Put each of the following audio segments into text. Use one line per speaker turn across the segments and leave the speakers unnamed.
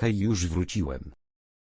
Hej, już wróciłem.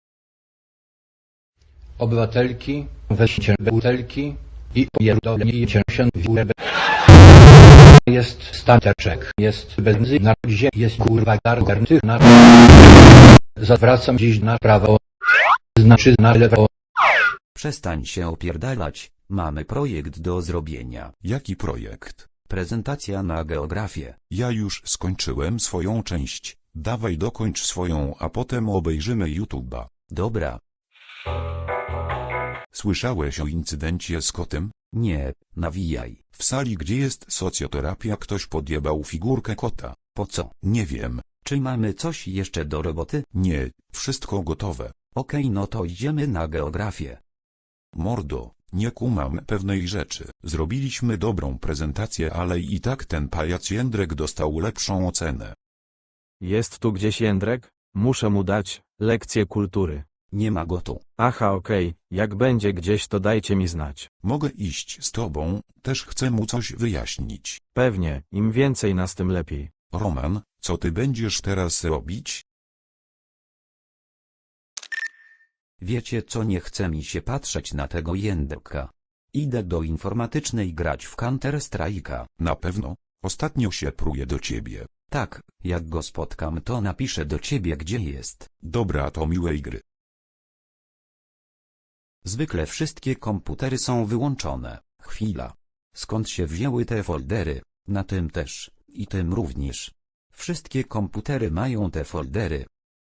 Obywatelki, weźcie butelki i pierdolnijcie się w górę. Jest stateczek, jest benzyna, gdzie jest kurwa gargantyna. Zawracam dziś na prawo, znaczy na lewo.
Przestań się opierdalać, mamy projekt do zrobienia.
Jaki projekt?
Prezentacja na geografię.
Ja już skończyłem swoją część. Dawaj dokończ swoją, a potem obejrzymy YouTube'a.
Dobra.
Słyszałeś o incydencie z kotem?
Nie, nawijaj.
W sali, gdzie jest socjoterapia, ktoś podjebał figurkę kota.
Po co?
Nie wiem.
Czy mamy coś jeszcze do roboty?
Nie, wszystko gotowe.
Okej, no to idziemy na geografię.
Mordo, nie kumam pewnej rzeczy. Zrobiliśmy dobrą prezentację, ale i tak ten pajac Jędrek dostał lepszą ocenę.
Jest tu gdzieś Jędrek? Muszę mu dać lekcję kultury.
Nie ma go tu.
Aha, okej, jak będzie gdzieś, to dajcie mi znać.
Mogę iść z tobą, też chcę mu coś wyjaśnić.
Pewnie, im więcej nas, tym lepiej.
Roman, co ty będziesz teraz robić?
Wiecie co, nie chce mi się patrzeć na tego Jędrka. Idę do informatycznej grać w Counter Strike'a.
Na pewno. Ostatnio się pruję do ciebie.
Tak, jak go spotkam, to napiszę do ciebie, gdzie jest.
Dobra, to miłej gry.
Zwykle wszystkie komputery są wyłączone. Chwila. Skąd się wzięły te foldery? Na tym też. I tym również. Wszystkie komputery mają te foldery.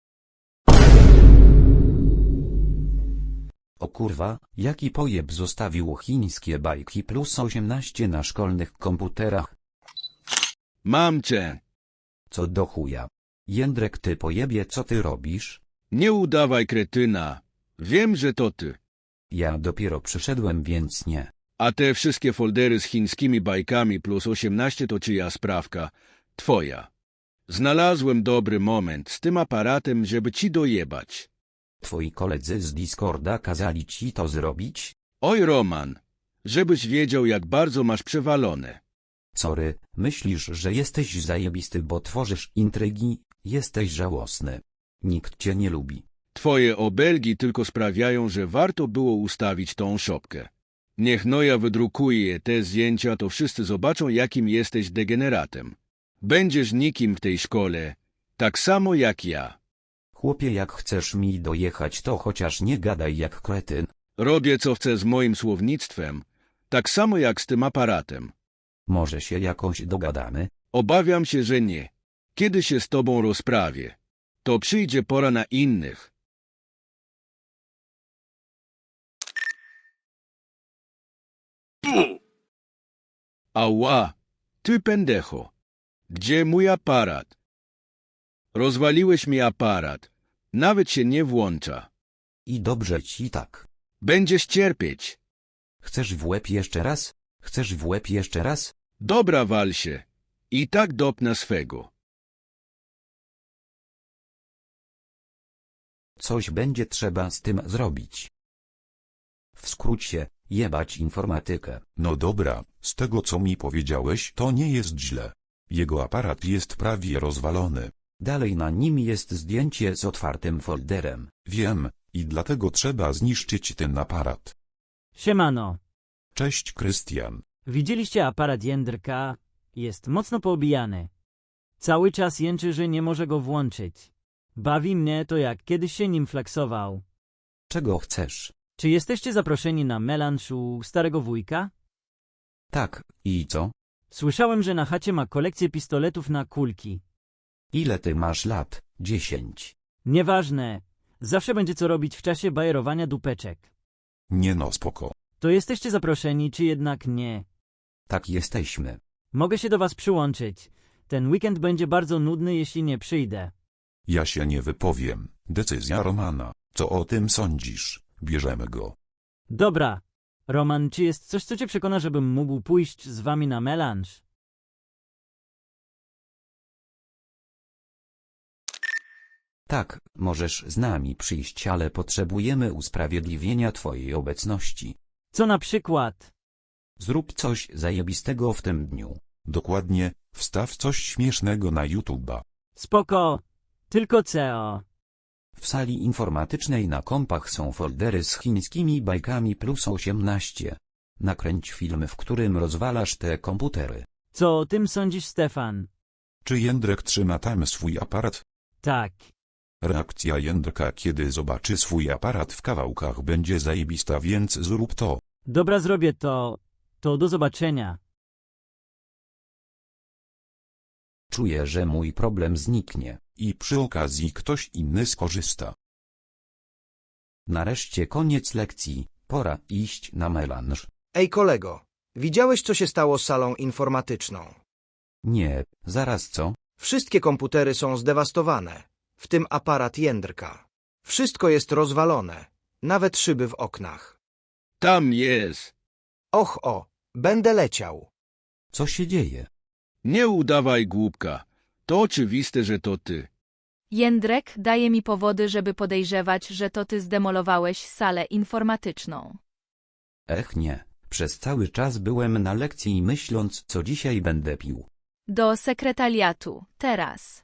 O kurwa, jaki pojeb zostawił chińskie bajki plus 18 na szkolnych komputerach?
Mam cię.
Co do chuja. Jędrek, ty pojebie, co ty robisz?
Nie udawaj kretyna. Wiem, że to ty.
Ja dopiero przyszedłem, więc nie.
A te wszystkie foldery z chińskimi bajkami plus 18 to czyja sprawka? Twoja. Znalazłem dobry moment z tym aparatem, żeby ci dojebać.
Twoi koledzy z Discorda kazali ci to zrobić?
Oj, Roman. Żebyś wiedział, jak bardzo masz przewalone.
Sorry, myślisz, że jesteś zajebisty, bo tworzysz intrygi? Jesteś żałosny. Nikt cię nie lubi.
Twoje obelgi tylko sprawiają, że warto było ustawić tą szopkę. Niech Noja wydrukuje te zdjęcia, to wszyscy zobaczą, jakim jesteś degeneratem. Będziesz nikim w tej szkole, tak samo jak ja.
Chłopie, jak chcesz mi dojechać, to chociaż nie gadaj jak kretyn.
Robię, co chcę z moim słownictwem, tak samo jak z tym aparatem.
Może się jakoś dogadamy?
Obawiam się, że nie. Kiedy się z tobą rozprawię, to przyjdzie pora na innych. Ała, ty pendecho. Gdzie mój aparat? Rozwaliłeś mi aparat. Nawet się nie włącza.
I dobrze ci tak.
Będziesz cierpieć.
Chcesz w łeb jeszcze raz? Chcesz w łeb jeszcze raz?
Dobra, wal się. I tak dopnę swego.
Coś będzie trzeba z tym zrobić. W skrócie, jebać informatykę.
No dobra, z tego co mi powiedziałeś, to nie jest źle. Jego aparat jest prawie rozwalony.
Dalej na nim jest zdjęcie z otwartym folderem.
Wiem, i dlatego trzeba zniszczyć ten aparat.
Siemano.
Cześć, Krystian.
Widzieliście aparat Jędrka? Jest mocno poobijany. Cały czas jęczy, że nie może go włączyć. Bawi mnie to, jak kiedyś się nim flexował.
Czego chcesz?
Czy jesteście zaproszeni na melanż u starego wujka?
Tak, i co?
Słyszałem, że na chacie ma kolekcję pistoletów na kulki.
Ile ty masz lat? 10.
Nieważne. Zawsze będzie co robić w czasie bajerowania dupeczek.
Nie no, spoko.
To jesteście zaproszeni, czy jednak nie?
Tak, jesteśmy.
Mogę się do was przyłączyć. Ten weekend będzie bardzo nudny, jeśli nie przyjdę.
Ja się nie wypowiem. Decyzja Romana. Co o tym sądzisz? Bierzemy go.
Dobra. Roman, czy jest coś, co cię przekona, żebym mógł pójść z wami na melanż?
Tak, możesz z nami przyjść, ale potrzebujemy usprawiedliwienia twojej obecności.
Co na przykład?
Zrób coś zajebistego w tym dniu.
Dokładnie, wstaw coś śmiesznego na YouTube'a.
Spoko. Tylko CO.
W sali informatycznej na kompach są foldery z chińskimi bajkami plus 18. Nakręć film, w którym rozwalasz te komputery.
Co o tym sądzisz, Stefan?
Czy Jędrek trzyma tam swój aparat?
Tak.
Reakcja Jędrka, kiedy zobaczy swój aparat w kawałkach, będzie zajebista, więc zrób to.
Dobra, zrobię to. To do zobaczenia.
Czuję, że mój problem zniknie.
I przy okazji ktoś inny skorzysta.
Nareszcie koniec lekcji, pora iść na melanż.
Ej kolego, widziałeś co się stało z salą informatyczną?
Nie, zaraz co?
Wszystkie komputery są zdewastowane, w tym aparat Jędrka. Wszystko jest rozwalone, nawet szyby w oknach.
Tam jest.
Och o, będę leciał.
Co się dzieje?
Nie udawaj głupka. To oczywiste, że to ty.
Jędrek daje mi powody, żeby podejrzewać, że to ty zdemolowałeś salę informatyczną.
Ech nie, przez cały czas byłem na lekcji myśląc, co dzisiaj będę pił.
Do sekretariatu, teraz.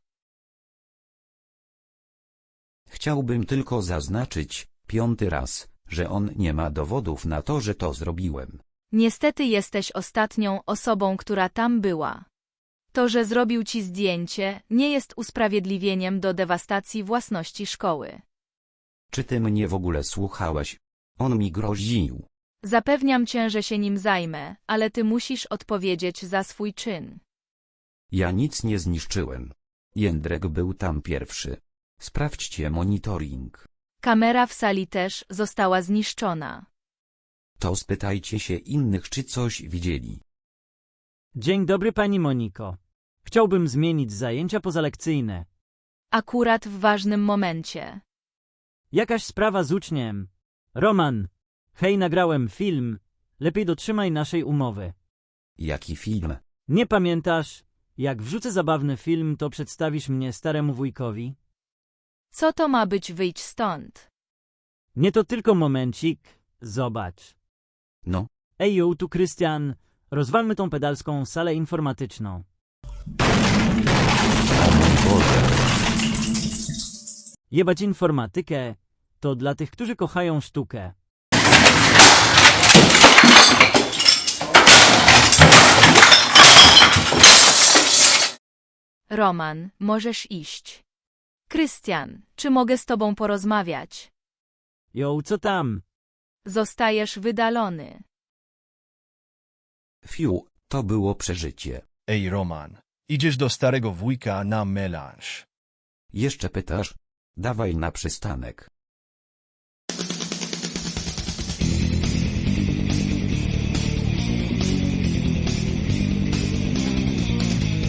Chciałbym tylko zaznaczyć, 5. raz, że on nie ma dowodów na to, że to zrobiłem.
Niestety jesteś ostatnią osobą, która tam była. To, że zrobił ci zdjęcie, nie jest usprawiedliwieniem do dewastacji własności szkoły.
Czy ty mnie w ogóle słuchałeś? On mi groził.
Zapewniam cię, że się nim zajmę, ale ty musisz odpowiedzieć za swój czyn.
Ja nic nie zniszczyłem. Jędrek był tam pierwszy. Sprawdźcie monitoring.
Kamera w sali też została zniszczona.
To spytajcie się innych, czy coś widzieli.
Dzień dobry, pani Moniko. Chciałbym zmienić zajęcia pozalekcyjne.
Akurat w ważnym momencie.
Jakaś sprawa z uczniem. Roman. Hej, nagrałem film. Lepiej dotrzymaj naszej umowy.
Jaki film?
Nie pamiętasz? Jak wrzucę zabawny film, to przedstawisz mnie staremu wujkowi?
Co to ma być, wyjdź stąd?
Nie, to tylko momencik. Zobacz.
No,
Ej, yo, tu Krystian. Rozwalmy tą pedalską salę informatyczną. Jebać informatykę to dla tych, którzy kochają sztukę.
Roman, możesz iść. Krystian, czy mogę z tobą porozmawiać?
Jo, co tam?
Zostajesz wydalony.
fiu, to było przeżycie.
Ej Roman, idziesz do starego wujka na melanż.
Jeszcze pytasz? Dawaj na przystanek.